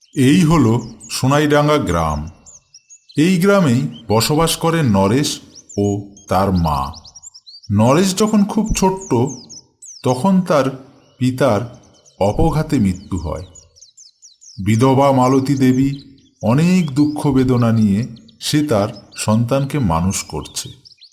এই হলো সোনাইডাঙ্গা গ্রাম। এই গ্রামেই বসবাস করেন নরেশ ও তার মা। নরেশ যখন খুব ছোট্ট তখন তার পিতার অপঘাতে মৃত্যু হয়। বিধবা মালতী দেবী অনেক দুঃখ বেদনা নিয়ে সে তার সন্তানকে মানুষ করছে।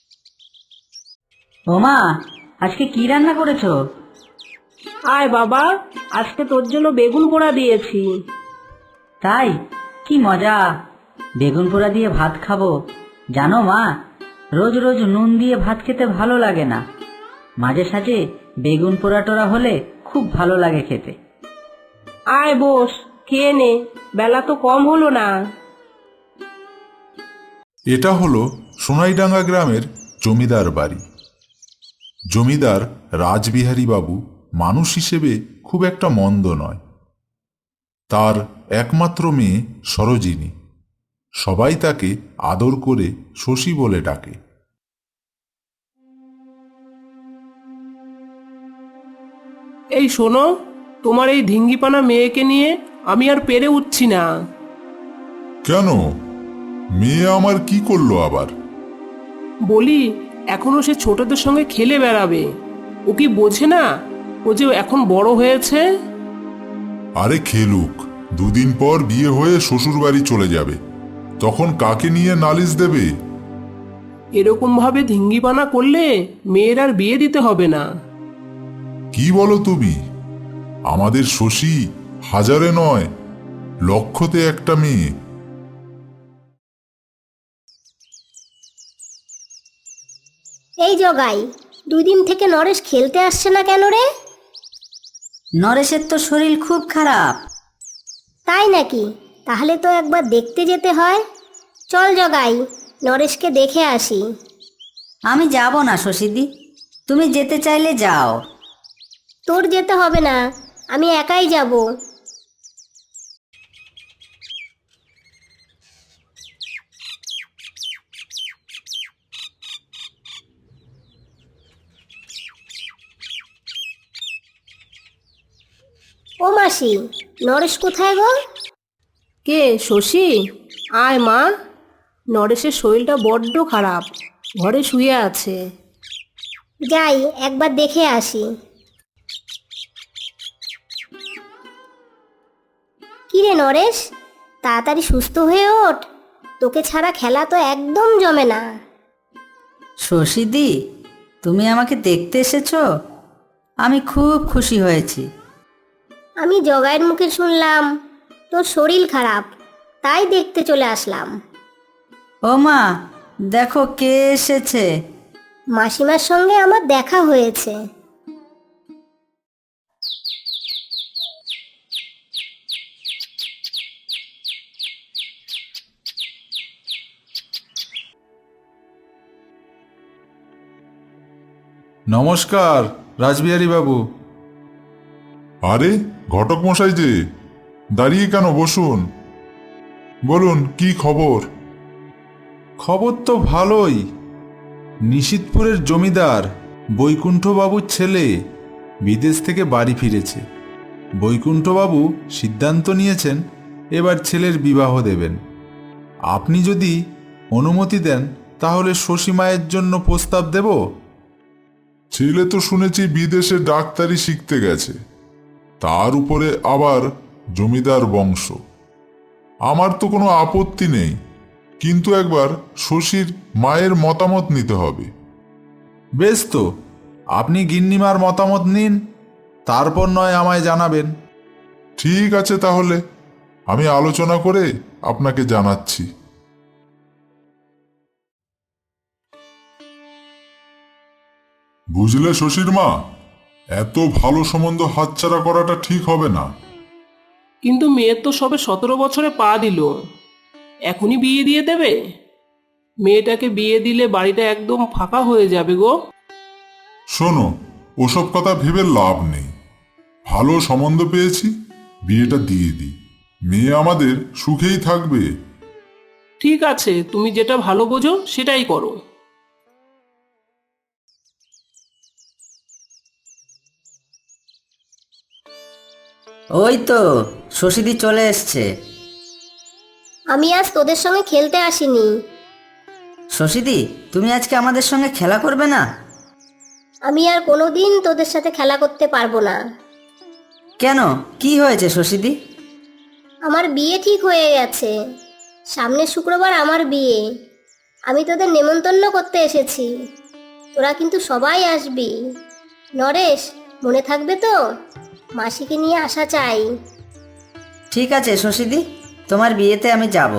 ওমা, আজকে কি রান্না করেছো? আয় বাবা, আজকে তোর জন্য বেগুন পোড়া দিয়েছি। তাই? কি মজা! বেগুন পোড়া দিয়ে ভাত খাবো। জানো মা, রোজ রোজ নুন দিয়ে ভাত খেতে ভালো লাগে না। মাঝে সাঝে বেগুন পোড়া টোড়া হলে খুব ভালো লাগে খেতে। আয় বস, খেয়ে নে, বেলা তো কম হলো না। এটা হলো সোনাইডাঙ্গা গ্রামের জমিদার বাড়ি। জমিদার রাসবিহারী বাবু মানুষ হিসেবে খুব একটা মন্দ নয়। তার একমাত্র মেয়ে সরোজিনী। সবাই তাকে আদর করে শশী বলে ডাকে। এই শোনো, তোমার এই ঢিঙ্গিপানা মেয়েকে নিয়ে আমি আর পেরে উঠছি না। কেন? মেয়ে আমার কি করলো আবার? বলি, এখনো সে ছোটদের সঙ্গে খেলে বেড়াবে। ও কি বোঝে না ও যে এখন বড় হয়েছে? আরে খেলুক, দুদিন পর বিয়ে হয়ে শ্বশুর বাড়ি চলে যাবে, তখন কাকে নিয়ে নালিশ দেবে? এরকম ভাবে ঢিঙ্গিপানা করলে মেয়ের আর বিয়ে দিতে হবে না। কি বলো তুমি? আমাদের শশী হাজারে নয়, লক্ষতে একটা মেয়ে। এই জগাই, 2 দিন থেকে নরেশ খেলতে আসছে না কেন রে? নরেশের তো শরীর খুব খারাপ। তাই নাকি? তাহলে তো একবার দেখতে যেতে হয়। চল জগাই, নরেশকে দেখে আসি। আমি যাব না শশীদি, তুমি যেতে চাইলে যাও। তোর যেতে হবে না, আমি একাই যাব। ও মাসি, নরেশ কোথায় গো? কে, শশী? আয় মা, নরেশের শরীরটা বড্ড খারাপ, ঘরে শুয়ে আছে। যাই একবার দেখে আসি। কিরে নরেশ, তাড়াতাড়ি সুস্থ হয়ে ওঠ, তোকে ছাড়া খেলা তো একদম জমে না। শশীদি, তুমি আমাকে দেখতে এসেছো? আমি খুব খুশি হয়েছি। আমি জগাইয়ের মুখে শুনলাম তোর শরীর খারাপ, তাই দেখতে চলে আসলাম। ও মা, দেখো কে এসেছে। মাসিমার সঙ্গে আমার দেখা হয়েছে। নমস্কার রাসবিহারী বাবু। আরে ঘটক মশাই যে, দাঁড়িয়ে কেন, বসুন। বলুন কি খবর? খবর তো ভালোই। নিশিতপুরের জমিদার বৈকুণ্ঠবাবুর ছেলে বিদেশ থেকে বাড়ি ফিরেছে। বৈকুণ্ঠবাবু সিদ্ধান্ত নিয়েছেন এবার ছেলের বিবাহ দেবেন। আপনি যদি অনুমতি দেন তাহলে শশী মায়ের জন্য প্রস্তাব দেব। ছেলে তো শুনেছি বিদেশে ডাক্তারি শিখতে গেছে, তার উপরে আবার জমিদার বংশ। আমার তো কোনো আপত্তি নেই, কিন্তু একবার শশীর মায়ের মতামত নিতে হবে। বেশ তো, আপনি গিন্নিমার মতামত নিন, তারপর নয় আমায় জানাবেন। ঠিক আছে, তাহলে আমি আলোচনা করে আপনাকে জানাচ্ছি। বুঝলে শশীর মা, এত ভালো সম্বন্ধ হাতছাড়া করাটা ঠিক হবে না। কিন্তু মেয়ের তো সবে 17 বছরে পা দিল, এখনই বিয়ে দিয়ে দেবে? মেয়েটাকে বিয়ে দিলে বাড়িটা একদম ফাঁকা হয়ে যাবে গো। শোনো, ওসব কথা ভেবে লাভ নেই। ভালো সম্বন্ধ পেয়েছি, বিয়েটা দিয়ে দিই, মেয়ে আমাদের সুখেই থাকবে। ঠিক আছে, তুমি যেটা ভালো বোঝো সেটাই করো। ওই তো শশীদি চলে এসছে। আমি আজ তোদের সঙ্গে খেলতে আসিনি। শশীদি, তুমি আজকে আমাদের সঙ্গে খেলা করবে না? আমি আর কোনোদিন তোদের সাথে খেলা করতে পারবো না। কেন, কি হয়েছে শশীদি? আমার বিয়ে ঠিক হয়ে গেছে। সামনের শুক্রবার আমার বিয়ে। আমি তোদের নেমন্তন্ন করতে এসেছি। তোরা কিন্তু সবাই আসবি। নরেশ, মনে থাকবে তো? মাসিকে নিয়ে আসা চাই। ঠিক আছে শশীদি, তোমার বিয়েতে আমি যাব।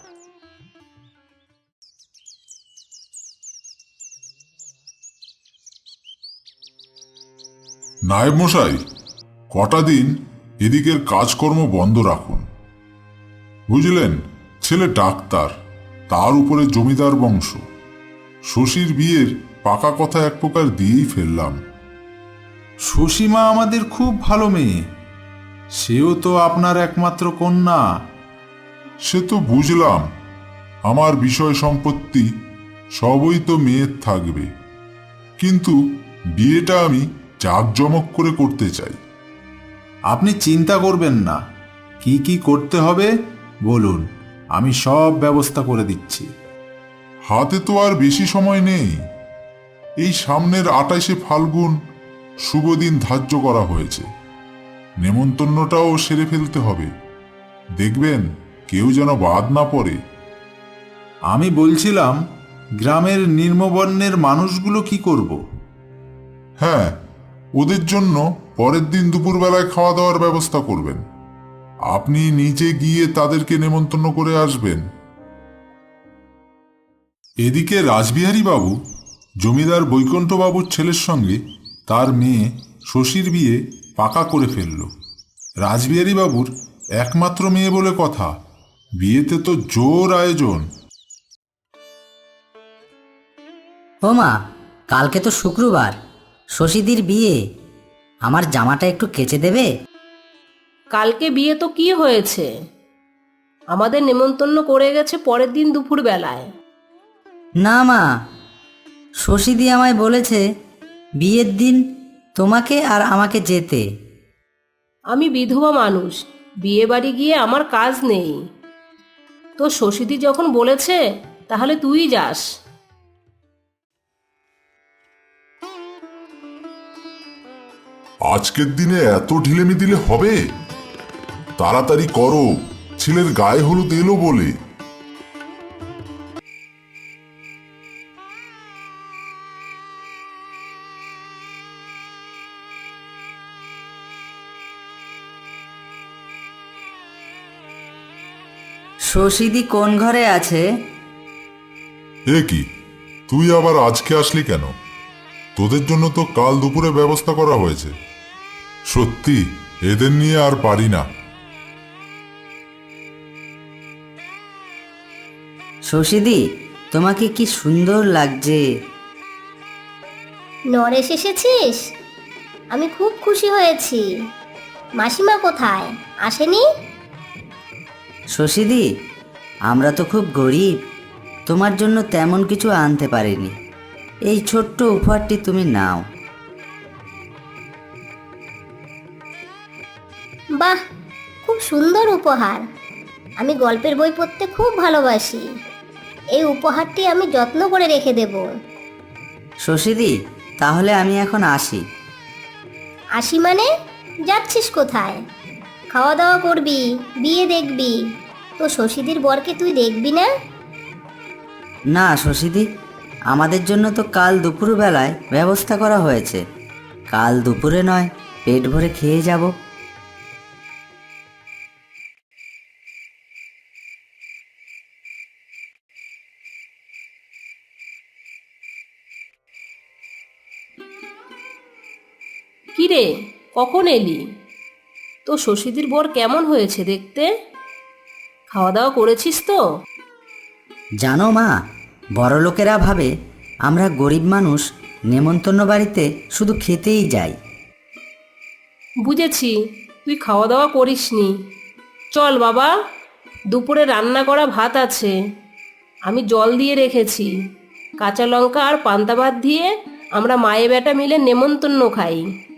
নায়েব মশাই, কটা দিন এদিকের কাজকর্ম বন্ধ রাখুন। বুঝলেন, ছেলে ডাক্তার, তার উপরে জমিদার বংশ। শশীর বিয়ের পাকা কথা এক প্রকার দিয়েই ফেললাম। সুসীমা আমাদের খুব ভালো মেয়ে, সেও তো আপনার একমাত্র কন্যা। সে তো বুঝলাম, আমার বিষয় সম্পত্তি সবই তো মেয়ের থাকবে, কিন্তু বিয়েটা আমি জাঁকজমক করে করতে চাই। আপনি চিন্তা করবেন না, কি কি করতে হবে বলুন, আমি সব ব্যবস্থা করে দিচ্ছি। হাতে তো আর বেশি সময় নেই। এই সামনের 28শে ফাল্গুন শুভ দিন ধার্য করা হয়েছে। নেমন্তন্নটাও সেরে ফেলতে হবে। দেখবেন কেউ যেন বাদ না পড়ে। আমি বলছিলাম, গ্রামের নিম্নবর্ণের মানুষগুলো কি করব? হ্যাঁ, ওদের জন্য পরের দিন দুপুরবেলায় খাওয়া দাওয়ার ব্যবস্থা করবেন। আপনি নিজে গিয়ে তাদেরকে নেমন্তন্ন করে আসবেন। এদিকে রাসবিহারী বাবু জমিদার বৈকুণ্ঠ বাবুর ছেলের সঙ্গে তার মেয়ে শশীর বিয়ে পাকা করে ফেলল। রাসবিহারী বাবুর একমাত্র মেয়ে বলে কথা, বিয়েতে তো জোর আয়োজন। ও মা, কালকে তো শুক্রবার, শশীদির বিয়ে। আমার জামাটা একটু কেচে দেবে? কালকে বিয়ে তো কি হয়েছে, আমাদের নেমন্তন্ন করে গেছে পরের দিন দুপুর বেলায়। না মা, শশীদি আমায় বলেছে বিয়ের দিন তোমাকে আর আমাকে যেতে। আমি বিধবা মানুষ, বিয়ে বাড়ি গিয়ে আমার কাজ নেই। তো শশীদি যখন বলেছে তাহলে তুই যাস। আজকের দিনে এত ঢিলেমি দিলে হবে? তাড়াতাড়ি করো, ছেলের গায়ে হলুদ এলো বলে। শশীদি কোন ঘরে আছে? এ কি, তুই আবার আজকে আসলি কেন? তোদের জন্য তো কাল দুপুরে ব্যবস্থা করা হয়েছে। সত্যি এদের নিয়ে আর পারি না। শশীদি, তোমাকে কি সুন্দর লাগছে। নরেশ, এসেছিস? আমি খুব খুশি হয়েছি। মাসিমা কোথায়, আসেনি? শশীদি, আমরা তো খুব গরিব, তোমার জন্য তেমন কিছু আনতে পারিনি। এই ছোট্ট উপহারটি তুমি নাও। বাহ, খুব সুন্দর উপহার। আমি গল্পের বই পড়তে খুব ভালোবাসি। এই উপহারটি আমি যত্ন করে রেখে দেব। শশীদি, তাহলে আমি এখন আসি। আসি মানে? যাচ্ছিস কোথায়? খাওয়া দাওয়া করবি, বিয়ে দেখবি, তো শশীদির বরকে তুই দেখবি না? না শশীদি, আমাদের জন্য তো কাল দুপুরবেলায় ব্যবস্থা করা হয়েছে। কাল দুপুরে নয়, পেট ভরে খেয়ে যাব। কিরে, কখন এলি? তো শশীদির বর কেমন হয়েছে দেখতে? খাওয়া দাওয়া করেছিস তো? জানো মা, বড়লোকেরা ভাবে আমরা গরিব মানুষ নেমন্তন্ন বাড়িতে শুধু খেতেই যাই। বুঝেছি, তুই খাওয়া দাওয়া করিসনি। চল বাবা, দুপুরে রান্না করা ভাত আছে, আমি জল দিয়ে রেখেছি। কাঁচা লঙ্কা আর পান্তা ভাত দিয়ে আমরা মায়ে বেটা মিলে নেমন্তন্ন খাই।